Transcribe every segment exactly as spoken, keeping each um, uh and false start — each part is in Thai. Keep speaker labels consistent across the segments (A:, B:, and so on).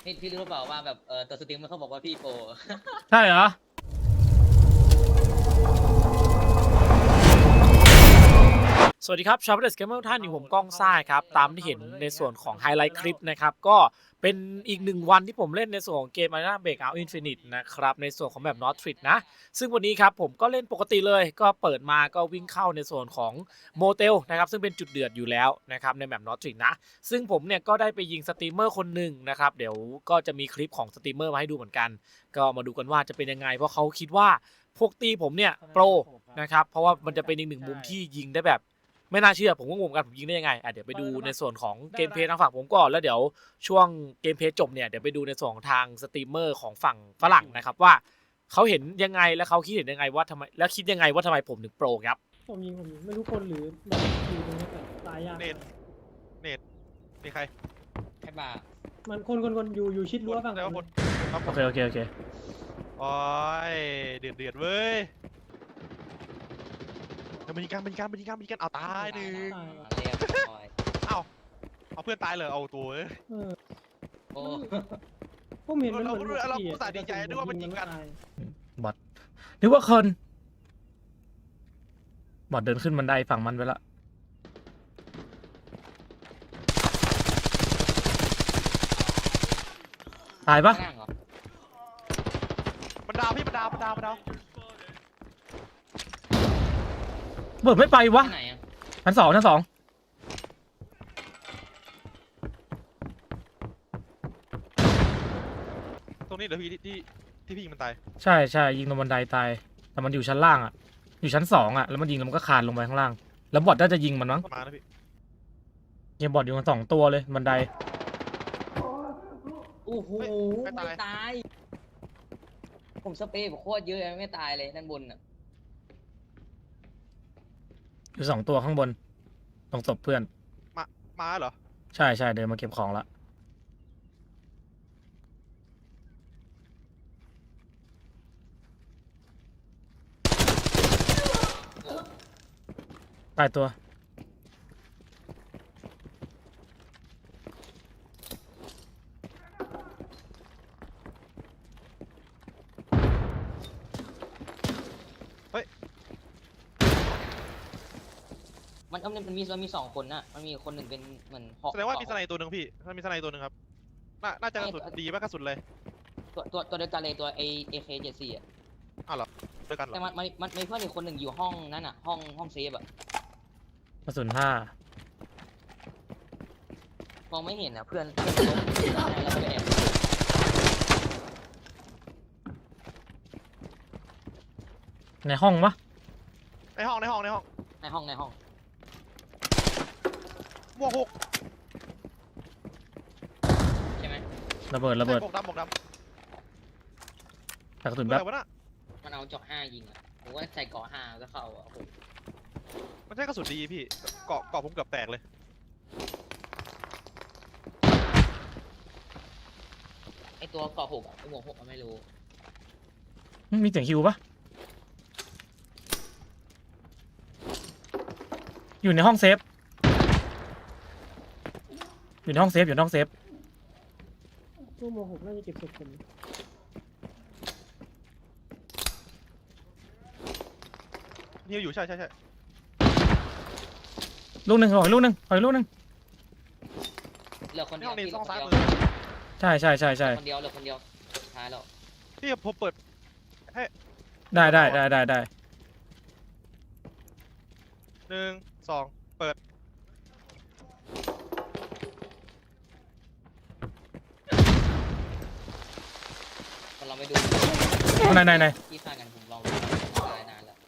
A: พี่พี่รู้หรือเปล่าว่าแบบเออตัวสตรีมมันเขาบอกว่าพี่โปร
B: ใช่เหรอสวัสดีครับชาวเดสเกมเมอร์ท่านอยู่ผมก้องซ่าครับตามที่เห็นในส่วนของไฮไลท์คลิปนะครับก็เป็นอีกหนึ่งวันที่ผมเล่นในส่วนของเกม Arena Breakout Infinite นะครับในส่วนของแบบ Northrid นะซึ่งวันนี้ครับผมก็เล่นปกติเลยก็เปิดมาก็วิ่งเข้าในส่วนของโมเตลนะครับซึ่งเป็นจุดเดือดอยู่แล้วนะครับในแบบ Northrid นะซึ่งผมเนี่ยก็ได้ไปยิงสตรีมเมอร์คนหนึ่งนะครับเดี๋ยวก็จะมีคลิปของสตรีมเมอร์มาให้ดูเหมือนกันก็มาดูกันว่าจะเป็นยังไงเพราะเขาคิดว่าพวกตีผมเนี่ยโปรนะครับเพราะว่ามันจะเป็นอีกหนึ่งมุมที่ยิงได้แบบไม่น่าเชื่อผมก็งงกันผมยิงได้ยังไงอ่ะเดี๋ยวไปดูในส่วนของเกมเพลย์ทางฝั่งผมก่อนแล้วเดี๋ยวช่วงเกมเพลย์จบเนี่ยเดี๋ยวไปดูในส่วนของทางสตรีมเมอร์ของฝั่งฝรั่งนะครับว่าเขาเห็นยังไงและเขาคิดเห็นยังไงว่าทำไมแล้วคิดยังไงว่าทำไมผมถึงโปรครับ
C: ผมยิงผมยิงไม่รู้คนหรือแบบอยู่ตรงนี้แต่ตายยาก
D: เน็ต เน็ตมีใคร
A: ไอ้บ้า
C: มันคนคนคนอยู่อยู่ชิดรั้วฝั่ง
D: แล้ว
C: ผ
D: ค
C: ม
D: นครับผ
B: โอ
D: ม
B: เคโอเคโอเค
D: โอ้ยเดือดเดือดเว้ยเดี๋ยวมันยิงกันมันยิงกันมันยิงกันมันยิงกันเอาตายหนึ่ง
C: ตายว่ะ
A: เรียบร้อย
D: เอาเอาเพื่อนตายเลยเอาตัวเอ้ย
C: เออ
A: โอ้
C: ผมเห็นมันเหมือน
D: เราเราอุตส่าห์ดีใจด้วยว่ามันยิงกัน
C: ตาย
B: บอทนึกว่าคนบอทเดินขึ้นบันไดฝั่งมันไปละตายปะ
A: ข้างล่างเหรอ
D: มันดาวพี่มันดาวมันดาวมันดาว
B: เบิดไม่ไปวะ
A: ที่ไหนอ่ะ
B: ชั้นสองชั้นสอง
D: ตรงนี้เดี๋ยวพี่ที่ที่ที่พี่ยิงมันตาย
B: ใช่ใช่ยิงลงบันไดตายแต่มันอยู่ชั้นล่างอ่ะอยู่ชั้นสองอ่ะแล้วมันยิงแล้วมันก็คานลงไปข้างล่างแล้วบอทน่าจะยิงมันมั้ง
D: ต้องมานะพี่
B: ยิงบอทอยู่กันสองตัวเลยบันได
A: โอ้โหไม่ตาย ผมสเปรย์ผมโคตรเยอะไม่ตายเลยด้านบนอ่ะ
B: อยู่สองตัวข้างบนตรงศพเพื่อน
D: มามาเหรอ
B: ใช่ใช่เดินมาเก็บของละตายตัว
A: มันมันมันมีมันมีสองคนน่ะมันมีคนหนึ่งเป็นเหมือนเหาะ
D: แสดงว่ามีสไนตัวหนึ่งพี่ถ้ามีสไนตัวหนึ่งครับน่าน่าจะกระสุนดีมากกระสุนเลย
A: ตัวตัวตัวเดียวกันเลยตัว A AK เจ็ดสี่อ่ะ
D: อ้าวเหรอด้วยกันเหร
A: แต่
D: อ
A: มันมันมันมีเพื่อนอีกคนหนึ่งอยู่ห้องนั่นอ่ะห้องห้องเซฟอ่ะ
B: กระสุนห้าม
A: องไม่เห็นอ่ะเพื่อนเพื่อนล้มแล้วก็ไปแอบ
B: ในห้องปะ
D: ในห้องในห้องในห้อง
A: ในห้องในห้อง
D: หมวกหก
A: ใช่ไหม
B: ระเบิดระเบิด
D: หมวกดำหมวกดำ
B: แต่กระสุน
D: อะ
B: แบ
D: ไร
B: บ
D: วะน่ะ
A: มันเอาเจาะห้ายิงอ่ะผมว่าใส่เกาะห้าก็เข้าอ่ะโอ้โห
D: มันใช่กระสุนดีพี่เกาะเกาะผมเกือบแตกเลย
A: ไอตัวเกาะหกอ่ะไอหมวกหกอ่ะไม่รู้
B: มีเสียงฮิวปะอยู่ในห้องเซฟอยู่ในห้องเซฟอยู่ในห้องเซฟ
C: ตู้โมหกน่าจะเก็บศพผม
D: นี่อยู่ใช่ใช่ใช่
B: ลูกหนึ่งขออีกลูกหนึ่งขออีกลูกหนึ่ง
A: เหลือคน
D: ใน
A: เดีย
D: ห้
A: ว
D: องนี้
A: พี่เหลื
D: ต้
A: อ
D: อง
A: คน
D: ซ้าย
A: เดียว
D: มือ
B: ใช่ใช่ใช่ใช่
A: คนเดียวเหลือคนเดียวสุดท้ายแล้ว
D: พี่ผมเปิด
B: ได้ได้ได้ได้ได้
D: หนึ่งสองเปิด
A: คนเราไปดู
B: ไหนไหนไหน
A: ที่ฆ่ากันผมลองดูตายนานแล้ว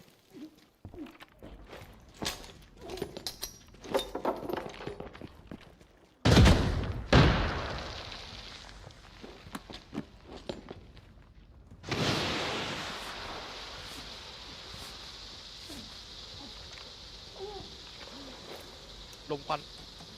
D: ลมควัน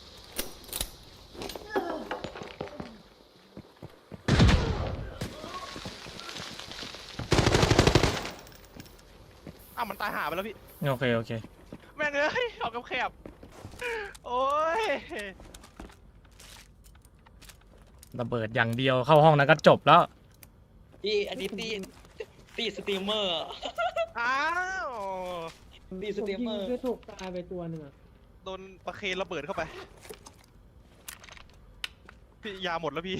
D: อ้าวมันตายหาไปแล้วพี่
B: โอเคโอเค
D: แม่งเอ้ยออกกับแคบโอ้ย
B: ระเบิดอย่างเดียวเข้าห้องนั้นก็จบแล้ว
A: พี่อันนี้ตีตีสตรีมเมอร์
D: อ้าว
A: ตีส
C: ผม
A: ตรี
C: ยิ
A: ม
C: ง
A: เมอร์
C: ด้วยถูกตายไปตัวหนึ่งอะ
D: โดนประเคนระเบิดเข้าไปพี่ยาหมดแล้วพี่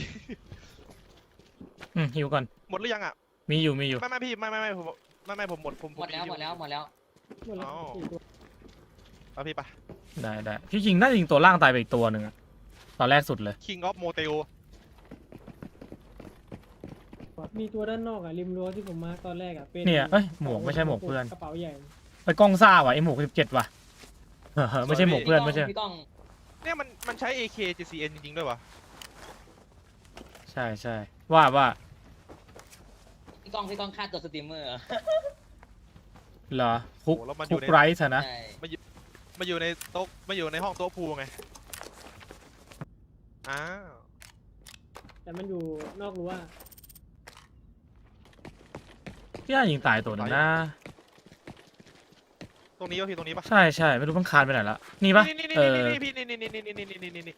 B: อืมหิวก่อน
D: หมดหรือยังอ่ะ
B: มีอยู่มีอยู่
D: ไม่ไม่พี่ไม่ไม่ไม่ผมไม่ไม่ผมหมดผม
A: หมดแล้วหมดแล้วหมดแล้ว
C: หมดแล้วสี่ตัว
D: เอาพี่ไป
B: ได้ได้พี่ยิงน่าจะยิงตัวล่างตายไปอีกตัวหนึ่งอะตอนแรกสุดเลย
D: King of Motel
C: มีตัวด้านนอกอะริมรั้วที่ผมมาตอนแรกอะเป็น
B: เนี่ยเอ้ยหมวกไม่ใช่หมวกเพื่อน
C: กระเป๋าใหญ่
B: ไปกล้องซ่าว่ะไอหมวกสิบเจ็ดว่ะเออไม่ใช่หมวกเพื่อนไม่ใช่
A: พี่ก้อง
D: เนี่ยมันมันใช้ เอ เค จี ซี เอ็น จริงๆด้วยวะ
B: ใช่ใช่ว่าว่า
A: พี่ก้องพี่ก้องฆ่าตัวสตรีมเมอร์
B: เหรอคุก
D: โอ้แล้วมันอ
B: คุ
D: ยู่
B: ก
D: ใน
B: ไรส์อะนะ
A: ใช่
D: มาอยู่ในโต๊ะมาอยู่ในห้องโต๊ะพูลไงอ้าว
C: แต่มันอยู่นอกรั้ว
B: พี่น่ายิงตายตัวหนึ่งนะ
D: ตรงนี้ป่ะพี่ตรงนี้ป่ะ
B: ใช่ใช่ไม่รู้มันคานไปไหนละนี่ปะ
D: นี่นี่
B: เอ
D: นี่
B: อ
D: นี่พี่นี่นี่นี่นี่นี่นี่นี่นี่นี่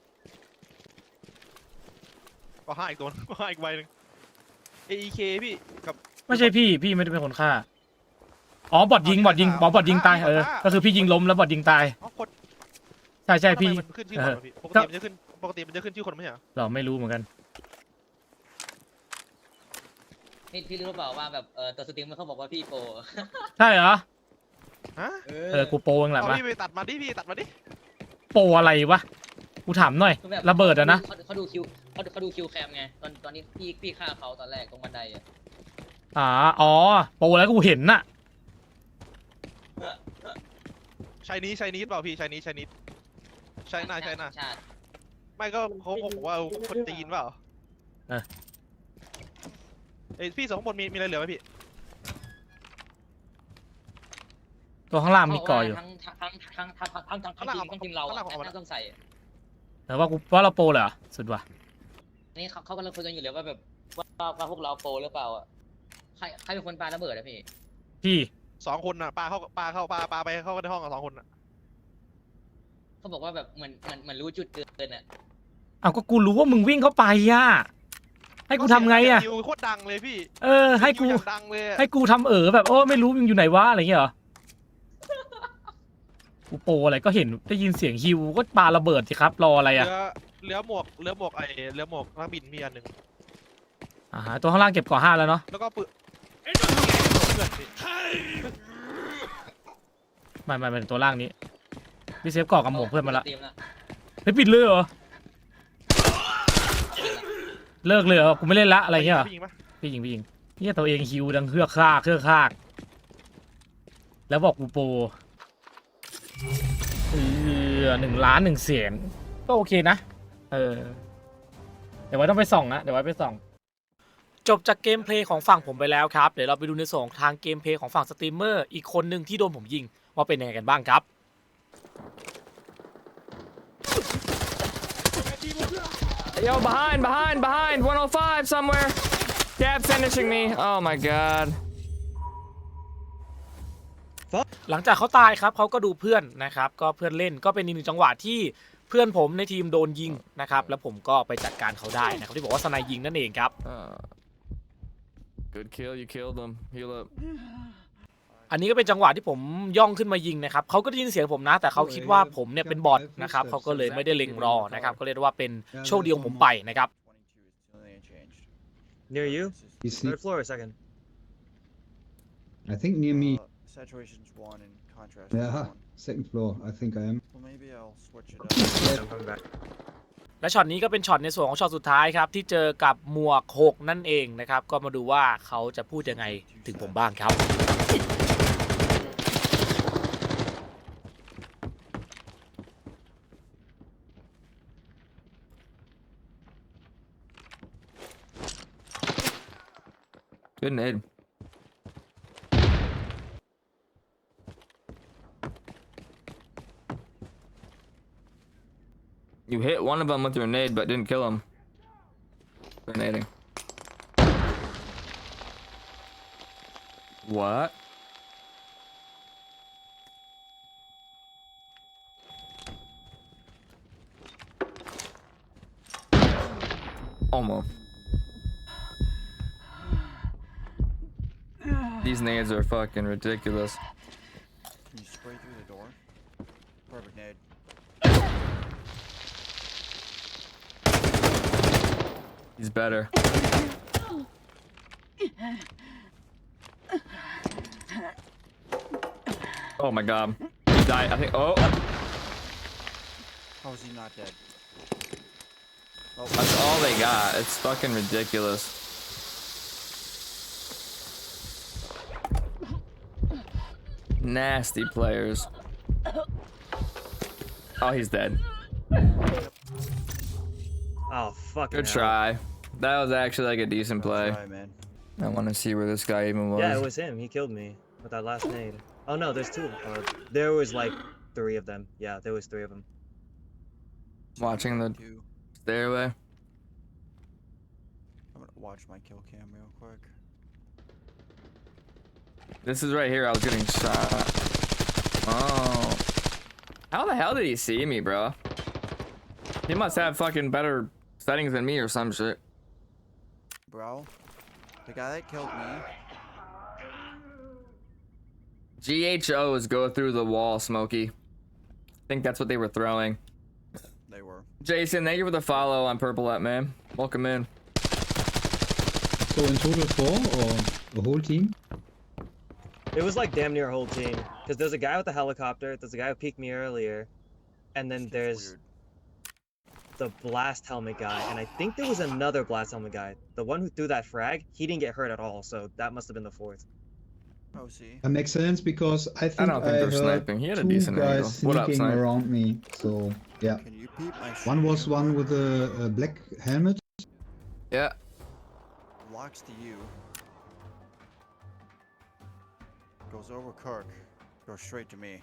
D: ก็ห้าอีกตัวก็ห้าอีกใบหนึ่ง เอ เค พี่กับ
B: ไม่ใช่พี่พี่ไม่ได้เป็นคนฆ่าอ๋อบอดยิงบอดยิงบอดบอดยิงตายเออก็คือพี่ยิงล้มแล้วบอดยิงตาย
D: อ๋อคน
B: ใช่ใช่
D: ทำไม
B: พี่
D: มันขึ้นชื่อคนวะพี่ปกติมันจะขึ้นปกติมันจะขึ้นชื่อคนไม่ใช่เหรอ
B: เราไม่รู้เหมือนกัน
A: พี่พี่รู้หรือเปล่าว่าแบบเออตัวสตรีมเมอร์เขาบอกว่าพี่โปร
B: ใช่เหรอ
D: ฮะ
B: เออกูโปรเองแหละ
D: เอา
B: มา
D: พี่ไปตัดมาดิพี่ตัดมาดิ
B: โปรอะไรวะกูถามหน่อย
A: คือแบบ
B: ระเบิดอะนะ
A: เขาเขาดูคิวเขาเขาดูคิวแคมไงตอนตอนนี้พี่พี่ฆ่าเขาตอนแรกตรงบันไดอะ
B: อ่าอ๋อโปรแล้วกูเห็นน่ะ
D: ชายนี้ชายนี้เปล่าพี่ชายนี้ชายนี้ชายหน้าชายหน้า
A: ชาติ
D: ไม่ก็เขาบอกว่าคนจีนเปล่าเอ้ยพี่สองข้างบนมีมีอะไรเหลือไหมพี่
B: ตัวข้างล่างมีก่ออยู่
A: ทั้งทั้งทั้งทั้งทั้งทั้งทั้งทั้งทีมทั้งทีมเราอะน่าต้องใส่
B: แต่ว่ากูว่าเราโปรเหรอสุดว่ะ
A: อันนี้เขาเขากำลังคุยกันอยู่เลยว่าแบบว่าว่าพวกเราโปรหรือเปล่าอ่ะใครใครเป็นคนปาระเบิดอะพี่
B: พี่
D: สองคนน่ะปลาเข้าปลาเข้าปลาปลาไปเข้าในห้องกับสองคนน่ะ
A: เขาบอกว่าแบบเหมือนเหมือนเหมือนรู้จุดเกินอ่ะ
B: เอาก็กูรู้ว่ามึงวิ่งเข้าไปอ่ะให้กูทำไงอ่ะ
D: นิวโคตรดังเลยพี่
B: เออให้กู
D: นิวอย่างดังเลยอะ
B: ให้กูทำเออแบบโอ้ไม่รู้มึงอยู่ไหนวะอะไรเงี้ยเหรอกูโปรอะไรก็เห็นได้ยินเสียงฮิวก็ปาระเบิดสิครับรออะไร
D: เห
B: อ่ะ
D: ลือเหลือหมวกเหลือหมวกไอเหลือหมวกนักบินมีอันหนึ่ง
B: อ่าตัวข้างล่างเก็บก่อห้าแล้วเนาะ
D: แล้วก็ปืนเพื่อนพี่
B: ไม่ไม่เป็นตัวล่างนี้พี่เซฟก่อกับหมวกเพื่อนมาละ
A: ตรีนะ
B: เฮ้ยปิดเลยเหรอเลิกเลยเหรอกูไม่เล่นละอะไรเงี้ยเหรอ
D: พี่ยิงปะ
B: พี่ยิงพี่ยิงเนี่ยตัวเองฮิวดังเครือคากเครือคากแล้วบอกกูโปรเออหนึ่งล้านหนึ่งเสียงก็โอเคนะเออเดี๋ยวไว้ต้องไปส่องนะเดี๋ยวไว้ไปส่องจบจากเกมเพลย์ของฝั่งผมไปแล้วครับเดี๋ยวเราไปดูในส่วนของทางเกมเพลย์ของฝั่งสตรีมเมอร์อีกคนหนึ่งที่โดนผมยิงว่าเป็นยังไงกันบ้างครับ
E: Yo, behind, behind, behind, one oh five somewhere. Dab finishing me. Oh my god.
B: หลังจากเขาตายครับเขาก็ดูเพื่อนนะครับก็เพื่อนเล่นก็เป็นอีกหนึ่งจังหวะที่เพื่อนผมในทีมโดนยิงนะครับแล้วผมก็ไปจัดการเขาได้นะครับที่บอกว่าสไนยิงนั่นเองครับ
E: Uh, good kill, you killed him. Heal up.
B: อันนี้ก็เป็นจังหวะที่ผมย่องขึ้นมายิงนะครับเขาก็ได้ยินเสียงผมนะแต่เขาคิดว่าผมเนี่ยเป็นบอทนะครับเขาก็เลยไม่ได้เล็งรอนะครับก็เรียกว่าเป็นโชคดีของผมไปนะครับ
F: Near you?
G: You see,
F: Third floor or second?
G: I think near me.
H: Uh, saturation's one and contrast is
G: Yeah,
H: one.
G: second floor. I think I am.
H: Well, maybe I'll switch it up.
F: I'm coming back.
B: และช็อตนี้ก็เป็นช็อตในส่วนของช็อตสุดท้ายครับที่เจอกับหมวกหกนั่นเองนะครับก็มาดูว่าเขาจะพูดยังไงถึงผมบ้างครับ
E: Good nade. You hit one of them with your nade, but didn't kill him. Grenading. What? Almost. These nades are fucking ridiculous.
H: Can you spray through the door? Perfect nade.
E: He's better. Oh my god. He died. I think. Oh.
H: How is he not dead?
E: That's all they got. It's fucking ridiculous. Nasty players. Oh, he's dead.
F: Oh, fucking
E: Good
F: hell.
E: try. That was actually like a decent play.
H: Try, man.
E: I want to see where this guy even was.
F: Yeah, it was him. He killed me with that last nade. Oh no, there's two. Uh, there was like three of them. Yeah, there was three of them.
E: Watching the
H: Two.
E: stairway.
H: I'm gonna watch my kill cam real quick.
E: This is right here. I was getting shot. Oh. How the hell did he see me, bro? He must have fucking better settings than me or some shit.
H: Bro, the guy that killed me.
E: G H Os go through the wall, Smokey. I think that's what they were throwing.
H: They were.
E: Jason, thank you for the follow on Purpleette, man. Welcome in.
G: So in total four or the whole team?
F: It was like damn near a whole team. Because there's a guy with a helicopter, there's a guy who peeked me earlier, and then
H: Seems
F: there's
H: weird.
F: the blast helmet guy, and I think there was another blast helmet guy. The one who threw that frag, he didn't get hurt at all, so that must have been the fourth.
H: Oh, see.
G: That makes sense because I think
E: don't think
G: I
E: they're
G: heard
E: sniping. He had a
G: two
E: decent angle.
G: guys
E: What up,
G: sneaking
E: Snipe?
G: around me. So yeah,
H: Can you peep my
G: one was
H: stream?
G: one with a, a black helmet.
E: Yeah.
H: Locks to you. Goes over Kirk. Goes straight to me.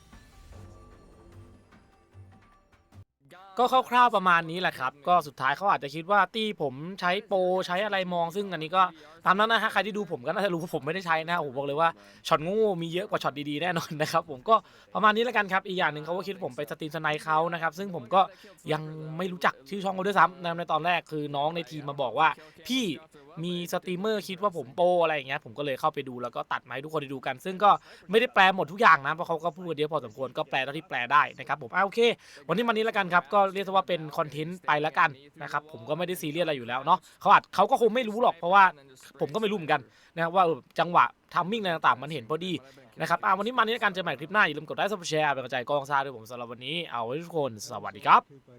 B: ก็คร่าวๆประมาณนี้แหละครับก็สุดท้ายเขาอาจจะคิดว่าตี้ผมใช้โปรใช้อะไรมองซึ่งอันนี้ก็ตามนั้นนะฮะใครที่ดูผมก็น่าจะรู้ว่าผมไม่ได้ใช้นะผมบอกเลยว่าช็อตโง่มีเยอะกว่าช็อตดีๆแน่นอนนะครับผมก็ประมาณนี้แล้วกันครับอีกอย่างหนึ่งเขาก็คิดว่าผมไปสตรีมสไนค์เขานะครับซึ่งผมก็ยังไม่รู้จักชื่อช่องเขาด้วยซ้ำนะในตอนแรกคือน้องในทีมมาบอกว่าพี่มีสตรีมเมอร์คิดว่าผมโปรอะไรอย่างเงี้ยผมก็เลยเข้าไปดูแล้วก็ตัดมาให้ทุกคนได้ดูกันซึ่งก็ไม่ได้แปลหมดทุกอย่างนะเพราะเขาก็พูดกันเยอะพอสมควรก็แปลเท่าที่แปลได้นะครับผมอ่ะโอเควันนี้มันนี้แล้วกันครับก็เรียกว่าเป็นคอนเทนต์ไปแล้วกันนะครับผมก็ไม่ได้ซีเรียสอะไรอยู่แล้วเนาะเขาอาจเขาก็คงไม่รู้หรอกเพราะว่าผมก็ไม่รู้เหมือนกันนะว่าจังหวะทัมมิ่งอะไรต่างๆมันเห็นพอดีนะครับอ่ะวันนี้มันนี้แล้วกันเจอใหม่คลิปหน้าอย่าลืมกดไลค์ซับสไครป์เป็นกำลังใจกองซ่าด้วยผมสำหรับวันนี้เอาไว้ทุกคนสวัสดีครับ